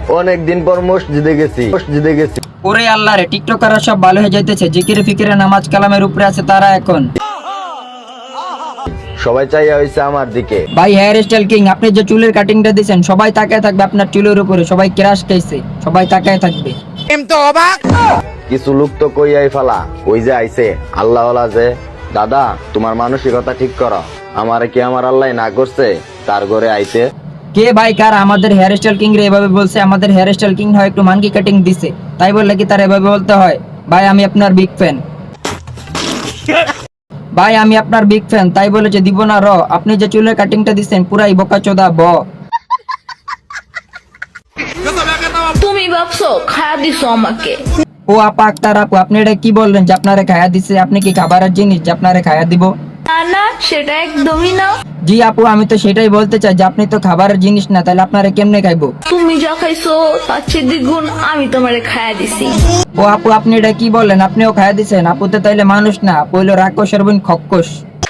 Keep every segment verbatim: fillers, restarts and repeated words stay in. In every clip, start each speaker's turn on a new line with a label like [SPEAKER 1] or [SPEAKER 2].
[SPEAKER 1] অনেক দিন পর মসজিদে গেছি মসজিদে গেছি
[SPEAKER 2] ওরে আল্লাহ রে, টিকটকাররা সব ভালো হয়ে যাইতেছে, জিকিরে ফিকিরে নামাজ কালামের উপরে আছে তারা এখন।
[SPEAKER 1] সবাই চাইয়া হইছে আমার দিকে।
[SPEAKER 2] ভাই হেয়ার স্টাইল কিং, আপনি যে চুলের কাটিংটা দিয়েছেন সবাই তাকায় থাকবে আপনার চুলের উপরে, সবাই ক্রাশ খাইছে, সবাই তাকায় থাকবে।
[SPEAKER 1] কিছু লোক তো কইয়াই ফালা, ওই যে আইছে আল্লাহওয়ালা যে, দাদা তোমার মানসিকতা ঠিক করো, আমারে কি আমার আল্লাহ না করছে তার ঘরে আইতে?
[SPEAKER 2] কে ভাই কার আমাদের হেয়ার স্টাইল কিং রে এভাবে বলছে? আমাদের হেয়ার স্টাইল কিং হয় একটু মানকি কাটিং দিছে, তাই বললে কি তার এভাবে বলতে হয়? ভাই আমি আপনার বিগ ফ্যান, ভাই আমি আপনার বিগ ফ্যান, তাই বলেছে দিব না র। আপনি যে চুলের কাটিংটা দিচ্ছেন পুরাই বোকাচোদা ব।
[SPEAKER 3] তুমি ভাবছো খায়া দিছো আমাকে?
[SPEAKER 2] ও আপা আক্তার আপু, আপনি এটা কি বললেন যে আপনারে খায়া দিছে? আপনি কি খাবারের জিনিস যে আপনারে খায়া দিব?
[SPEAKER 3] না না, সেটা একদমই না।
[SPEAKER 2] জি আপু, আমি তো সেটাই বলতে চাই যে আপনি তো খাবারের জিনিস না, তাহলে আপনারে কেমনে খাইবো?
[SPEAKER 3] তুমি যা খাইছো তার চেয়ে দ্বিগুণ আমি তোমারে খায়া দিছি।
[SPEAKER 2] ও আপু আপনি এটা কি বলেন? আপনিও খায়া দিছেন? আপু তো তাইলে মানুষ না, আপু হইলো রাক্ষসের বোন খক্কস।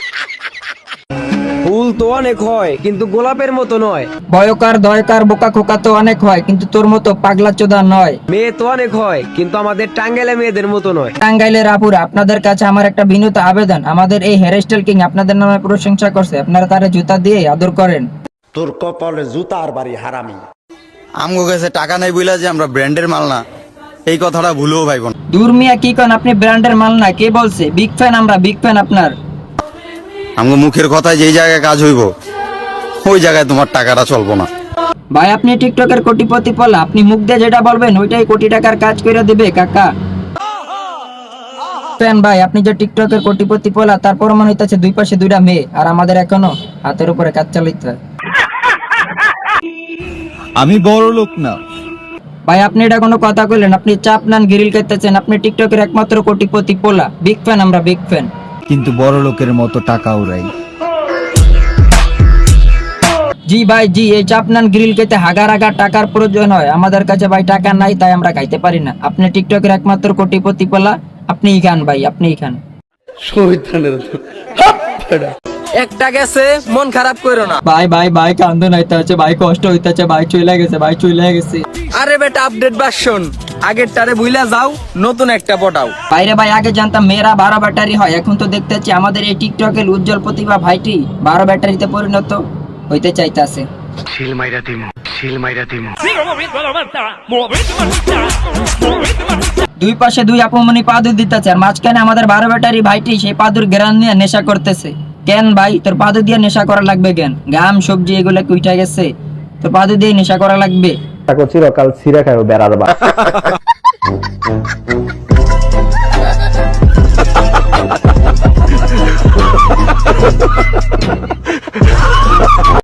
[SPEAKER 4] ফুল তো অনেক হয় কিন্তু গোলাপের মতো নয়।
[SPEAKER 2] ভয়কার দয়কার বোকা খোকা তো অনেক হয় কিন্তু তোর মতো পাগলা চোদা নয়।
[SPEAKER 4] মেয়ে তো অনেক হয় কিন্তু আমাদের টাঙ্গাইলে মেয়েদের মতো নয়।
[SPEAKER 2] টাঙ্গাইলের আপুরা, আপনাদের কাছে আমার একটা বিনীত আবেদন, আমাদের এই হেয়ার স্টাইল কিং আপনাদের নামে প্রশংসা করছে, আপনারা তারে জুতা দিয়ে আদর করেন।
[SPEAKER 5] তোর কপালে জুতার বাড়ি হারামি।
[SPEAKER 6] আমগো কাছে টাকা নাই বইলা যে আমরা ব্র্যান্ডের মাল না, এই কথাটা ভুলেও ভাইব না।
[SPEAKER 2] দূর মিয়া কি কন, আপনি ব্র্যান্ডের মাল না? কে বলছে? বিগ ফ্যান আমরা, বিগ ফ্যান আপনার।
[SPEAKER 6] আমগো মুখের কথায় যেই জায়গায় কাজ হইব ওই জায়গায় তোমার টাকাটা চলবো না।
[SPEAKER 2] ভাই আপনি টিকটকের কোটিপতি পলা, আপনি মুখ দিয়ে যেটা বলবেন ওইটাই কোটি টাকার কাজ করে দিবে কাকা। ফ্যান ভাই, আপনি যে টিকটকের কোটিপতি পলা, তারপর মনে হইতেছে দুই পাশে দুইটা মেয়ে, আর আমাদের এখনো হাতের উপরে কাজ চালাইতে হয়।
[SPEAKER 6] আমি বড় লোক না
[SPEAKER 2] ভাই আপনি এটা কোনো কথা কইলেন? আপনি চাপ নান গ্রিল খাইতেছেন, আপনি টিকটকের একমাত্র কোটিপতি পোলা, বিগ ফ্যান আমরা, বিগ ফ্যান।
[SPEAKER 6] কিন্তু বড় লোকের মতো টাকা উড়াই।
[SPEAKER 2] জি ভাই জি, এই চাপ নান গ্রিল খেতে হাগার হাগার টাকার প্রয়োজন হয়, আমাদের কাছে ভাই টাকা নাই, তাই আমরা খাইতে পারি না। আপনি টিকটকের একমাত্র কোটিপতি পোলা, আপনিই খান ভাই, আপনিই খান।
[SPEAKER 4] একটা গেছে, মন খারাপ করো না।
[SPEAKER 2] ভাই ভাই ভাই কান্দন হইতে হচ্ছে, ভাই কষ্ট হইতেছে, ভাই চলে গেছে, ভাই চলে গেছে।
[SPEAKER 4] আরে বেটা আপডেট ভার্সন, আগের টারে ভুইলা যাও, নতুন একটা পটাও।
[SPEAKER 2] বাইরে ভাই আগে জানতাম মেয়েরা বারো ব্যাটারি হয়, এখন তো দেখতেছি আমাদের এই টিকটকের উজ্জ্বল প্রতিভা ভাইটি বারো ব্যাটারিতে পরিণত হইতে চাইতেছে। দুই পাশে দুই আপমনি পাদুর দিতেছে, আর মাঝখানে আমাদের বারো ব্যাটারি ভাইটি সেই পাদুর গ্রান নিয়ে নেশা করতেছে। কেন ভাই তোর পাদু দিয়ে নেশা করা লাগবে কেন? গাম সবজি এগুলো উঠা গেছে, তোর পাদু দিয়ে নেশা করা লাগবে?
[SPEAKER 1] চিরকাল ছিঁড়ে খাইও বেড়ার বা